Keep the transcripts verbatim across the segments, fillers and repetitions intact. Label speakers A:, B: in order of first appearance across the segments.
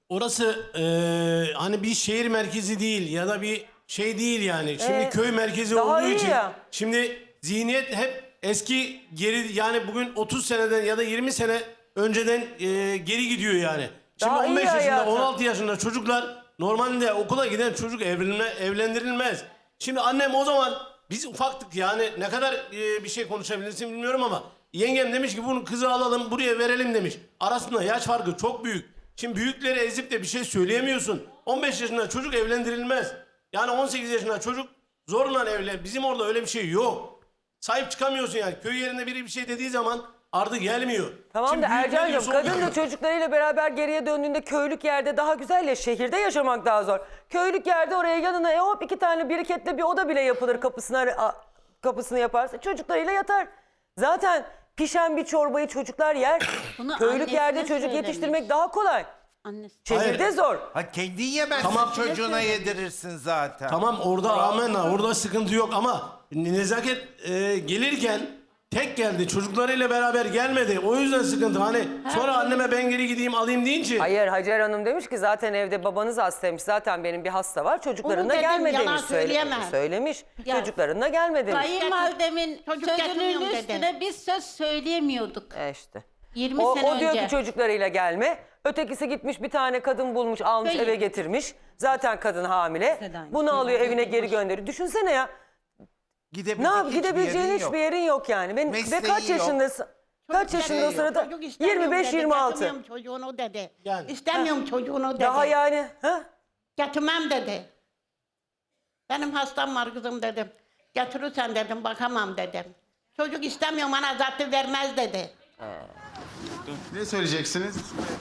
A: Orası eee, hani bir şehir merkezi değil ya da bir şey değil yani. Şimdi
B: Ee,
A: köy merkezi
B: daha
A: olduğu
B: iyi
A: için.
B: ya.
A: Şimdi zihniyet hep eski geri yani bugün otuz seneden ya da yirmi sene önceden eee, geri gidiyor yani. Şimdi
B: Daha iyi
A: on beş yaşında
B: hayatı.
A: on altı yaşında çocuklar normalde okula giden çocuk evlenme, evlendirilmez. Şimdi annem o zaman biz ufaktık yani ne kadar eee, bir şey konuşabilirsin bilmiyorum ama yengem demiş ki bunu kızı alalım buraya verelim demiş. Arasında yaş farkı çok büyük. Şimdi büyükleri ezip de bir şey söyleyemiyorsun. on beş yaşında çocuk evlendirilmez. Yani on sekiz yaşında çocuk zorla evlen. Bizim orada öyle bir şey yok. Sahip çıkamıyorsun yani. Köy yerinde biri bir şey dediği zaman ardı gelmiyor.
B: Tamam
A: Şimdi
B: da
A: büyükler
B: Ercan'cığım
A: diyorsa
B: kadın
A: oluyor.
B: da çocuklarıyla beraber geriye döndüğünde köylük yerde daha güzel ya şehirde yaşamak daha zor. Köylük yerde oraya yanına e, hop iki tane biriketle bir oda bile yapılır kapısına a, kapısını yaparsa çocuklarıyla yatar. Zaten pişen bir çorbayı çocuklar yer.
C: Bunu
B: Köylük
C: annesine
B: yerde çocuk
C: söylemiş.
B: yetiştirmek daha kolay.
C: Annesi.
B: Şehirde
A: Hayır.
B: zor.
D: Ha kendin yemezsin
A: Tamam.
D: çocuğuna yedirirsin zaten.
A: Tamam orada amenna orada sıkıntı yok ama nezaket e, gelirken tek geldi çocuklarıyla beraber gelmedi. O yüzden sıkıntı hani sonra anneme ben geri gideyim alayım deyince.
B: Hayır Hacer Hanım demiş ki zaten evde babanız hastaymış. Zaten benim bir hasta var. Çocuklarına
C: Onu dedim,
B: gelme
C: yalan
B: demiş. Söyle-
C: söyleyemez.
B: söylemiş.
C: Ya.
B: Çocuklarına gelme demiş.
C: Kayınvalidemin
E: Çocuk
C: sözünün
F: getirmiyorum dedi.
C: üstüne biz söz söyleyemiyorduk.
B: E işte.
C: yirmi
B: O,
C: sene
B: o diyor
C: önce.
B: ki çocuklarıyla gelme. Ötekisi gitmiş bir tane kadın bulmuş almış
C: Hayır.
B: eve getirmiş. Zaten kadın hamile. Bunu alıyor evine geri gönderiyor. Düşünsene ya.
D: Gidebilecek
B: Ne yap
D: hiçbir
B: gidebileceğin
D: yerin
B: hiçbir
D: yok.
B: yerin yok yani. Ben, ve
D: Mesleği
B: kaç
D: yok.
B: yaşındasın? Kaç yaşında o sırada?
F: Çocuk istemiyorum
B: yirmi beş
F: dedi,
B: yirmi altı.
F: getirmiyorum çocuğunu dedi.
A: Yani.
F: İstemiyorum çocuğunu dedi.
B: Daha yani. Ha?
F: Getirmem dedi. Benim hastam var kızım dedim. Getirirsen dedim bakamam dedim. Çocuk istemiyorum bana zaten vermez dedi.
G: Ne söyleyeceksiniz?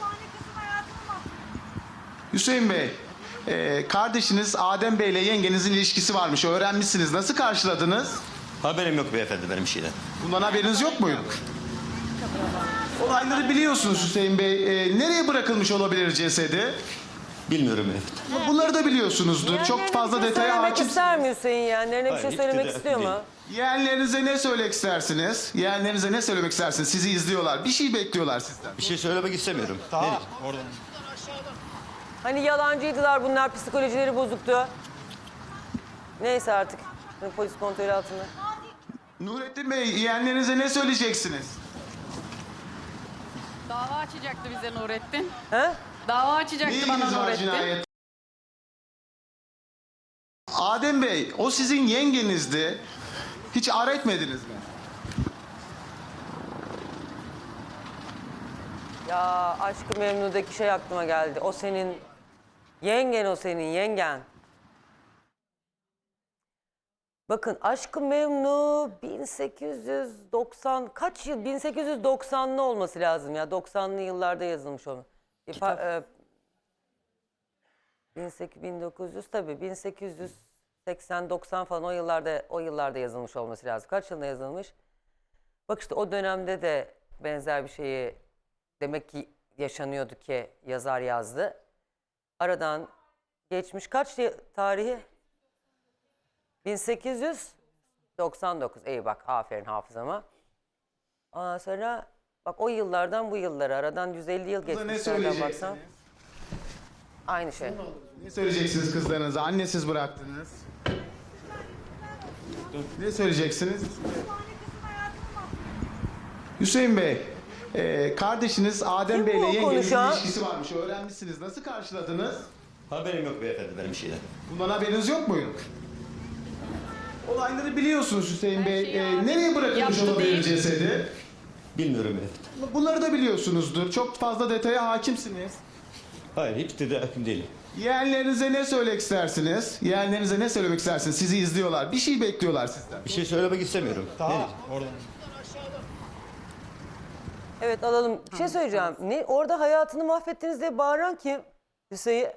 G: Hüseyin Bey, e, kardeşiniz Adem Bey ile yengenizin ilişkisi varmış. Öğrenmişsiniz. Nasıl karşıladınız?
H: Haberim yok beyefendi benim şeyden.
G: Bundan haberiniz yok muydu? Olayları biliyorsunuz Hüseyin Bey. E, nereye bırakılmış olabilir cesedi?
H: Bilmiyorum beyefendi.
G: Bunları da biliyorsunuzdur. Çok
B: Yeğenlerine
G: fazla
B: bir şey
G: detaya
B: söylemek
G: hakim.
B: ister mi Hüseyin yeğenlerine bir
H: Hayır,
B: şey
H: hiç
B: söylemek
H: de
B: istiyor mu?
H: değil.
G: Yeğenlerinize ne söylemek istersiniz? Yeğenlerinize ne söylemek istersiniz? Sizi izliyorlar. Bir şey bekliyorlar sizden.
H: Bir şey söylemek istemiyorum.
G: Tamam.
B: Hani yalancıydılar bunlar psikolojileri bozuktu. Neyse artık. Polis kontrolü altında.
G: Nurettin Bey, yeğenlerinize ne söyleyeceksiniz?
I: Dava açacaktı bize Nurettin.
B: Ha?
I: Dava
G: Ne
I: açacaktı
G: ilginiz
I: bana
G: var
I: Nurettin.
G: cinayet? Adem Bey, o sizin yengenizdi. Hiç ar etmediniz mi?
B: Ya Aşk-ı Memnu'daki şey aklıma geldi. O senin yengen, o senin yengen. Bakın Aşk-ı Memnu bin sekiz yüz doksan kaç yıl? bin sekiz yüz doksanlı olması lazım ya. doksanlı yıllarda yazılmış onu. Bir fa- e, bin sekiz yüz bin dokuz yüz tabii bin sekiz yüz seksen doksan falan o yıllarda o yıllarda yazılmış olması lazım. Kaç yılında yazılmış? Bak işte o dönemde de benzer bir şeyi demek ki yaşanıyordu ki yazar yazdı. Aradan geçmiş kaç yıl tarihi? bin sekiz yüz doksan dokuz. İyi bak aferin hafızama. Ondan sonra bak o yıllardan bu yıllara aradan yüz elli yıl
G: Kıza ne
B: geçmiş nereden baksan.
G: söyleyeceksiniz?
B: Aynı şey.
G: Ne söyleyeceksiniz kızlarınıza? Annesiz bıraktınız. Ne söyleyeceksiniz? Hüseyin Bey, e, kardeşiniz Adem
B: Kim
G: Bey ile
B: bu
G: yengenizin
B: konuşan?
G: ilişkisi varmış. Öğrenmişsiniz. Nasıl karşıladınız?
H: Haberim yok beyefendi benim şeyden.
G: Bundan haberiniz yok muydu? Olayları biliyorsunuz Hüseyin Bey. E, nereye bırakılmış
I: Yaptı
G: olabilir
I: değil.
G: cesedi?
H: Bilmiyorum beyefendi.
G: Bunları da biliyorsunuzdur. Çok fazla detaya hakimsiniz.
H: Hayır hiç de hakim değilim.
G: Yeğenlerinize ne söylemek istersiniz? Yeğenlerinize ne söylemek istersiniz? Sizi izliyorlar. Bir şey bekliyorlar sizden.
H: Bir şey söylemek istemiyorum.
G: Tamam.
B: Evet alalım. Bir şey söyleyeceğim. Ne orada hayatını mahvettiniz diye bağıran kim? Hüseyin.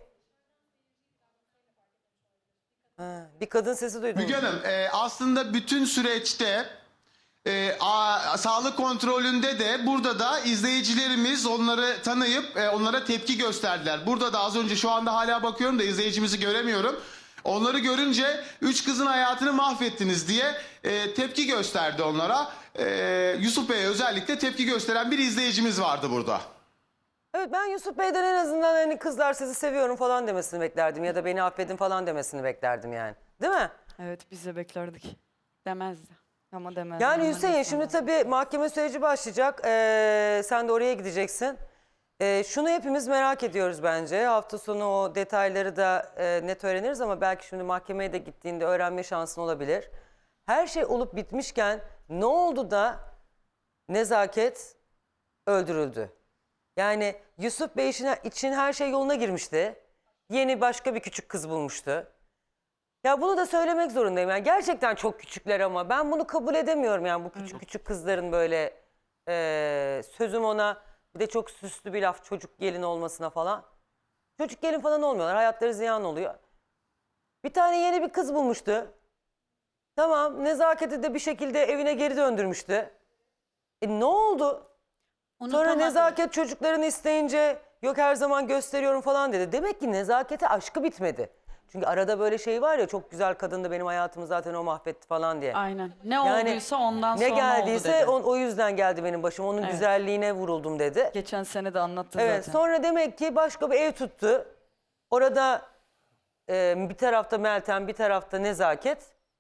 B: Ha, bir kadın sesi duydum.
G: Müge Hanım, e, aslında bütün süreçte e, a, sağlık kontrolünde de burada da izleyicilerimiz onları tanıyıp e, onlara tepki gösterdiler. Burada da az önce şu anda hala bakıyorum da izleyicimizi göremiyorum. Onları görünce üç kızın hayatını mahvettiniz diye e, tepki gösterdi onlara. E, Yusuf Bey'e özellikle tepki gösteren bir izleyicimiz vardı burada.
B: Evet, ben Yusuf Bey'den en azından hani kızlar sizi seviyorum falan demesini beklerdim. Ya da beni affedin falan demesini beklerdim yani. Değil mi?
I: Evet biz de beklerdik.
C: Demezdi.
I: Ama demez.
B: Yani Hüseyin şimdi tabii mahkeme süreci başlayacak. Ee, sen de oraya gideceksin. Ee, şunu hepimiz merak ediyoruz bence. Hafta sonu o detayları da e, net öğreniriz ama belki şimdi mahkemeye de gittiğinde öğrenme şansın olabilir. Her şey olup bitmişken ne oldu da Nezaket öldürüldü? Yani Yusuf Bey için, için her şey yoluna girmişti. Yeni başka bir küçük kız bulmuştu. Ya bunu da söylemek zorundayım. Yani gerçekten çok küçükler ama ben bunu kabul edemiyorum yani bu küçük küçük kızların böyle e, sözüm ona bir de çok süslü bir laf çocuk gelin olmasına falan. Çocuk gelin falan olmuyorlar. Hayatları ziyan oluyor. Bir tane yeni bir kız bulmuştu. Tamam, Nezaket'i de bir şekilde evine geri döndürmüştü. E ne oldu? Sonra
C: Unutamadım.
B: Nezaket çocuklarını isteyince yok her zaman gösteriyorum falan dedi. Demek ki Nezaket'e aşkı bitmedi. Çünkü arada böyle şey var ya çok güzel kadındı benim hayatımı zaten o mahvetti falan diye.
I: Aynen. Ne
B: Yani
I: olduysa ondan
B: ne
I: sonra
B: geldiyse
I: oldu dedi.
B: o, o yüzden geldi benim başıma. Onun
I: Evet.
B: güzelliğine vuruldum dedi.
I: Geçen sene de anlattı
B: Evet,
I: zaten.
B: sonra demek ki başka bir ev tuttu. Orada e, bir tarafta Meltem, bir tarafta Nezaket.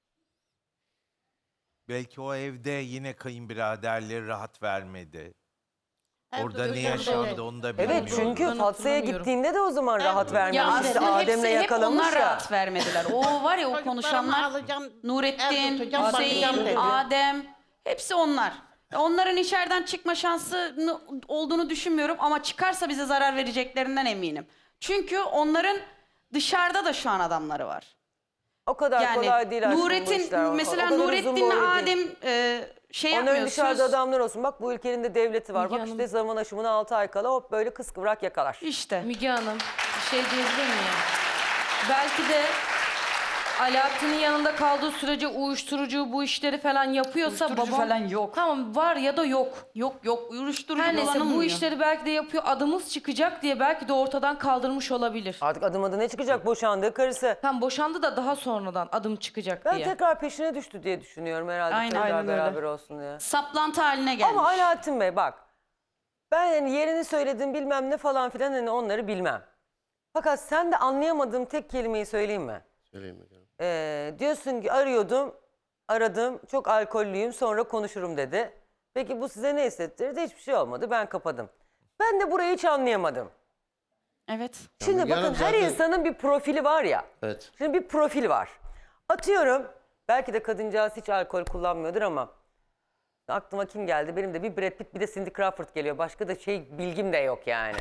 D: Belki o evde yine kayınbiraderleri rahat vermedi.
F: Her
D: Orada
F: türlü
D: ne
F: sorun
D: yaşandı
F: dedi.
D: onu da bilmiyorum.
B: Evet çünkü
J: Ben
B: Fatsa'ya
J: hatırlamıyorum.
B: gittiğinde de o zaman rahat
F: Evet.
B: vermemiş.
I: Ya
B: İşte
I: aslında
B: Adem'le
I: hepsi, hep
B: yakalamış
I: onlar
B: ya.
I: rahat vermediler. O var ya o
F: Çocuklarımı
I: konuşanlar
F: alacağım, ev
I: Nurettin,
F: tutacağım,
I: Hüseyin,
F: bakacağım dedi.
I: Adem hepsi onlar. Onların içeriden çıkma şansı olduğunu düşünmüyorum ama çıkarsa bize zarar vereceklerinden eminim. Çünkü onların dışarıda da şu an adamları var.
B: O kadar
I: Yani
B: kolay değil aslında bu
I: Nurettin
B: işler. O- o
I: mesela
B: kadar uzun
I: Nurettin'le
B: boylu değil.
I: Adem e, şey
B: Onların
I: yapmıyor.
B: dışarıda
I: söz-
B: adamlar olsun. Bak bu ülkenin de devleti var.
J: Müge
B: Bak
J: Hanım.
B: işte zaman aşımına altı ay kala hop böyle kıskıvrak yakalar.
I: İşte.
J: Müge Hanım bir şey diyebilir miyim? Belki de Alaaddin'in yanında kaldığı sürece uyuşturucu bu işleri falan yapıyorsa
I: Uyuşturucu
J: babam...
I: falan yok.
J: Tamam var ya da yok.
I: Yok yok uyuşturucu
J: Her neyse bu
I: kullanılmıyor.
J: işleri belki de yapıyor. Adımız çıkacak diye belki de ortadan kaldırmış olabilir.
B: Artık adım adı ne çıkacak boşandığı karısı.
J: Tam boşandı da daha sonradan adım çıkacak
B: Ben
J: diye.
B: tekrar peşine düştü diye düşünüyorum herhalde.
I: Aynen,
B: tekrar
I: aynen öyle.
B: beraber olsun diye.
I: Saplantı haline gelmiş.
B: Ama Alaaddin Bey bak. Ben hani yerini söyledim bilmem ne falan filan hani onları bilmem. Fakat sen de anlayamadığım tek kelimeyi söyleyeyim mi?
A: Söyleyeyim bakalım.
B: Ee, diyorsun ki arıyordum, aradım, çok alkollüyüm sonra konuşurum dedi. Peki bu size ne hissettirdi? Hiçbir şey olmadı, ben kapadım. Ben de burayı hiç anlayamadım.
I: Evet.
B: Şimdi
A: Müge
B: bakın
A: Hanım
B: her
A: zaten-
B: insanın bir profili var ya.
A: Evet.
B: Şimdi bir profil var. Atıyorum, belki de kadıncağız hiç alkol kullanmıyordur ama aklıma kim geldi? Benim de bir Brad Pitt bir de Cindy Crawford geliyor. Başka da şey bilgim de yok yani.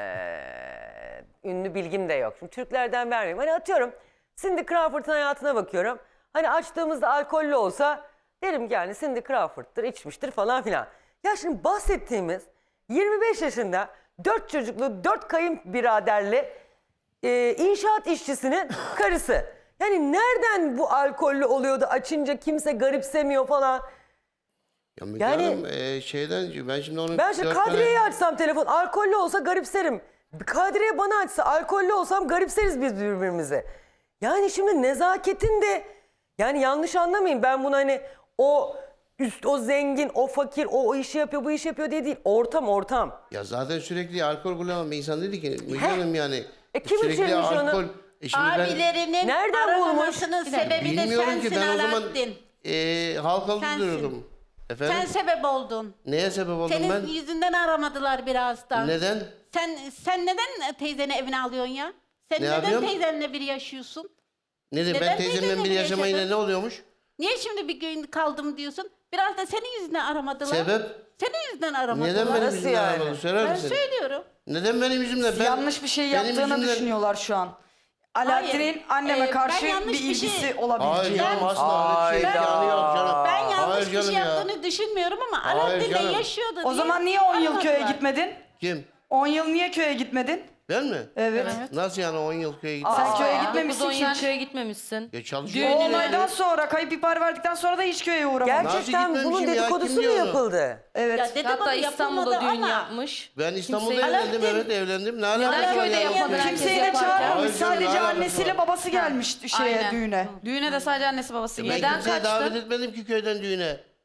B: Ee, ünlü bilgim de yok. Şimdi Türklerden vermeyeyim. Hani atıyorum Cindy Crawford'ın hayatına bakıyorum. Hani açtığımızda alkollü olsa derim ki yani Cindy Crawford'dır, içmiştir falan filan. Ya şimdi bahsettiğimiz yirmi beş yaşında dört çocuklu, dört kayınbiraderli e, inşaat işçisinin karısı. Yani nereden bu alkollü oluyordu açınca kimse garipsemiyor falan.
A: Ya Müge
B: Yani-
A: Hanım e, şeyden ben şimdi onu
B: Ben şimdi
A: dört tane-
B: Kadriye'yi açsam telefon alkollü olsa garipserim. Kadriye bana açsa alkollü olsam garipseriz biz birbirimize. Yani şimdi nezaketin de yani yanlış anlamayın ben bunu hani o üst o zengin o fakir o, o işi yapıyor bu işi yapıyor diye değil ortam ortam.
A: Ya zaten sürekli alkol kullanan bir insan dedi ki Müge
B: He.
A: Hanım yani
B: E kim
A: sürekli
B: içirmiş onu?
A: alkol. E şimdi ben
C: Abilerinin
B: Nereden bulmuş?
C: aramamasının sebebi de
A: bilmiyorum
C: sensin
A: ki ben o zaman
C: Alaaddin.
A: e, halkalı
C: Sensin.
A: duruyordum. Efendim?
C: Sen sebep oldun.
A: Neye sebep oldum
C: Senin
A: ben?
C: yüzünden aramadılar biraz da.
A: Neden?
C: Sen sen neden teyzeni evine alıyorsun ya? Sen
A: Ne
C: neden
A: yapıyorum?
C: teyzenle bir yaşıyorsun?
A: Neden?
C: Neden
A: Ben teyzemle
C: teyzemle
A: bir
C: bir
A: yaşamayla
C: yaşadın?
A: ne oluyormuş?
C: Niye şimdi bir gün kaldım diyorsun? Biraz da senin yüzünden aramadılar.
A: Sebep?
C: Senin yüzünden aramadılar.
A: Neden benim
B: Nasıl
A: yüzümden
B: yani?
A: aramadın? Söyler
C: Ben
A: misin?
C: söylüyorum.
A: Neden benim yüzümden? Ben,
I: Yanlış bir şey
A: benim
I: yaptığını
A: yüzümden-
I: düşünüyorlar şu an. Alaaddin'in
C: Hayır,
I: anneme
C: e,
I: karşı
C: ben
I: bir
C: yanlış bir
I: ilgisi
C: şey-
A: Hayır
I: olabileceği.
A: canım asla öyle bir şey
B: Hayda.
A: yanı yok canım.
C: Ben yanlış
A: Hayır
C: bir
A: canım
C: şey
A: ya.
C: yaptığını düşünmüyorum ama
A: Hayır
C: Alaaddin'le
A: canım.
C: yaşıyordu
I: O
C: diye
I: zaman niye on yıl köye
C: aramadılar.
I: gitmedin?
A: Kim?
I: on yıl niye köye gitmedin?
A: Ben mi?
I: Evet.
A: Nasıl yani on yıl köye gittim?
I: Sen köye
J: dokuz
I: gitmemişsin
J: on
I: ki
J: yıl
I: hiç.
J: köye gitmemişsin.
A: Ya çalışıyor.
I: O
J: Düğününü-
I: olaydan sonra kayıp ihbar verdikten sonra da hiç köye uğramadın.
B: Gerçekten
A: Nasıl
B: bunun
A: gitmemişim ya?
B: dedikodusu
A: Kim
B: mu
A: diyor onu?
B: yapıldı?
I: Evet.
C: Ya dedikodu
J: Hatta İstanbul'da
C: yapılmadı
J: düğün
C: ama
J: yapmış.
A: Ben İstanbul'da
J: Kimseyi-
A: evlendim
C: Alaaddin-
A: evet evlendim. Ne alakası
J: Neden
A: var
J: köyde
A: ya?
J: yapmadın?
A: Kimse-
I: Kimseyi de
J: Herkes
I: çağırmamış.
A: yaparken.
I: Sadece
A: Hayır canım,
I: annesiyle
A: alakası
I: babası gelmiş şeye Aynen. düğüne. Düğüne de sadece annesi babası
A: Ben
I: geldi.
J: Neden
A: kimseyi davet
J: kaçtın?
A: etmedim ki köyden düğüne.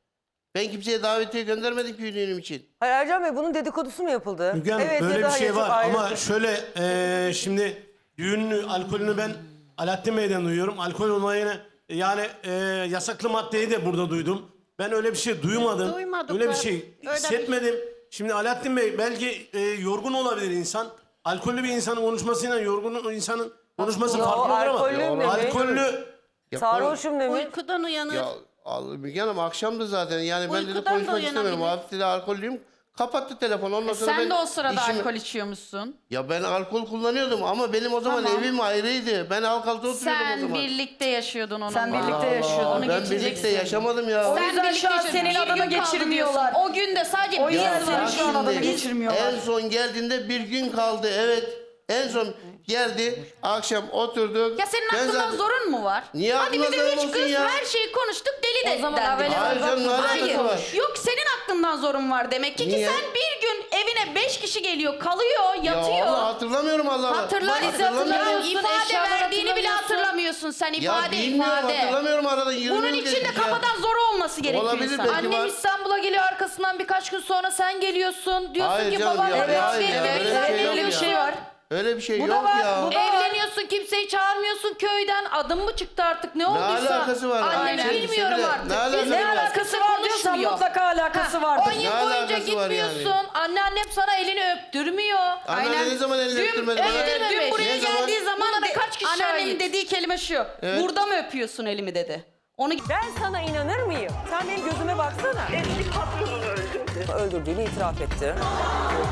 K: Ben kimseye davetiye göndermedim ki düğünüm için.
B: Hayır Ercan Bey bunun dedikodusu mu yapıldı?
A: Müge Hanım,
B: Evet, ya
A: böyle
B: da
A: bir şey
B: hayır, çok
A: var
B: ayrı.
A: ama şöyle eee, şimdi düğünün alkolünü ben Alaaddin Bey'den duyuyorum. Alkol olayını yani eee, yasaklı maddeyi de burada duydum. Ben öyle bir şey duymadım.
F: Duymadık
A: öyle bir
F: ben.
A: şey
F: Öyle bir-
A: hissetmedim. Şimdi Alaaddin Bey belki eee, yorgun olabilir insan. Alkollü bir insanın konuşmasıyla yorgun insanın konuşması
B: Yo,
A: farklı olur ama
B: alkollü mü?
A: alkollü
B: Sarhoşum demiş.
F: Uykudan uyanır.
K: Ya al- Müge Hanım akşamdı zaten yani ben dedi
F: Uykudan da
K: konuşmak istemiyorum.
F: uyanabilir.
K: Hafif dedi alkollüyüm. Kapattı telefonu. Ondan sonra ben
I: Sen de o sırada
K: işimi-
I: alkol içiyormuşsun.
K: Ya ben alkol kullanıyordum ama benim o zaman
I: Tamam.
K: evim ayrıydı. Ben Halkalı'da oturuyordum o
I: Sen
K: zaman.
I: birlikte yaşıyordun onunla.
J: Sen birlikte
K: Allah,
J: yaşıyordun.
I: Onu
K: Ben birlikte
I: geçeceksin.
K: yaşamadım ya.
J: O
I: Sen
J: yüzden
I: birlikte
J: şu an
I: yaşadın.
J: senin
I: Bir
J: adını
I: gün kaldı
J: geçirmiyorlar.
I: diyorsun. O gün de sadece
J: O
I: bir
J: yüzden
I: gün
J: senin
I: var.
J: şu an adını
K: Şimdi
J: geçirmiyorlar.
K: En son geldiğinde bir gün kaldı evet. En son geldi akşam oturduk.
I: Ya senin
K: Ben
I: aklında
K: zaten-
I: zorun mu var?
K: Niye
I: Hadi
K: aklımda
I: bizim
K: zorun
I: üç
K: olsun
I: kız
K: ya?
I: her şeyi konuştuk deli de
J: O zaman
I: dendi.
J: Avel
K: Hayır canım, ne alakası
I: Hayır.
K: var?
I: Yok senin aklından zorun var demek ki. Ki
K: Niye?
I: sen bir gün evine beş kişi geliyor, kalıyor, yatıyor.
K: Ya Allah hatırlamıyorum Allah'ım.
I: Hatırlar
J: Valizi hatırlamıyorsun,
I: ifade
J: eşyaları
I: verdiğini bile
J: hatırlamıyorsun.
I: hatırlamıyorsun sen
K: Ya
I: ifade
K: bilmiyorum
I: ifade.
K: hatırlamıyorum aradan yirmi
I: Bunun
K: yıl
I: için de
K: geçmiş ya.
I: kafadan zor olması gerekiyor
K: Olabilir
I: insan.
K: belki.
J: Annem
K: var.
J: İstanbul'a geliyor arkasından birkaç gün sonra sen geliyorsun. Diyorsun
K: Hayır
J: ki
K: canım
J: baban
K: ya,
J: evet,
K: hayır
J: evet,
K: ya,
J: evet,
K: öyle bir şey yok
J: öyle bir
K: ya.
J: şey var.
K: Öyle bir şey
J: Bu da
K: yok
J: var.
K: ya.
J: Bu da Evleniyorsun kimseyi çağırmıyorsun köyden. Adım mı çıktı artık ne olduysa.
K: alakası var?
I: Annem
K: Aynen.
I: bilmiyorum
K: Sevgili,
I: artık.
K: ne alakası
I: Biz
K: var?
J: Ne alakası var diyorsan
I: konuşmuyor.
J: mutlaka alakası
I: Ha,
J: vardır.
I: on yıl
K: Ne
I: boyunca
K: alakası var yani?
I: gitmiyorsun. Anneannem sana elini öptürmüyor.
K: Anneanne ne zaman elini
I: Dün,
K: öptürmedi bana?
I: evet, dün buraya
K: Ne zaman?
I: geldiği zaman
J: Buna da
I: de-
J: kaç kişi
I: anneannemin
J: şahit?
I: dediği kelime şu.
K: Evet.
I: Burada mı öpüyorsun elimi dedi. Onu
B: Ben sana inanır mıyım? Sen benim gözüme baksana. Eski patronunu öldürdü. Öldürdüğünü itiraf etti.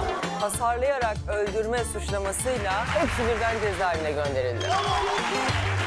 B: Hasarlayarak öldürme suçlamasıyla hepsi birden cezaevine gönderildi.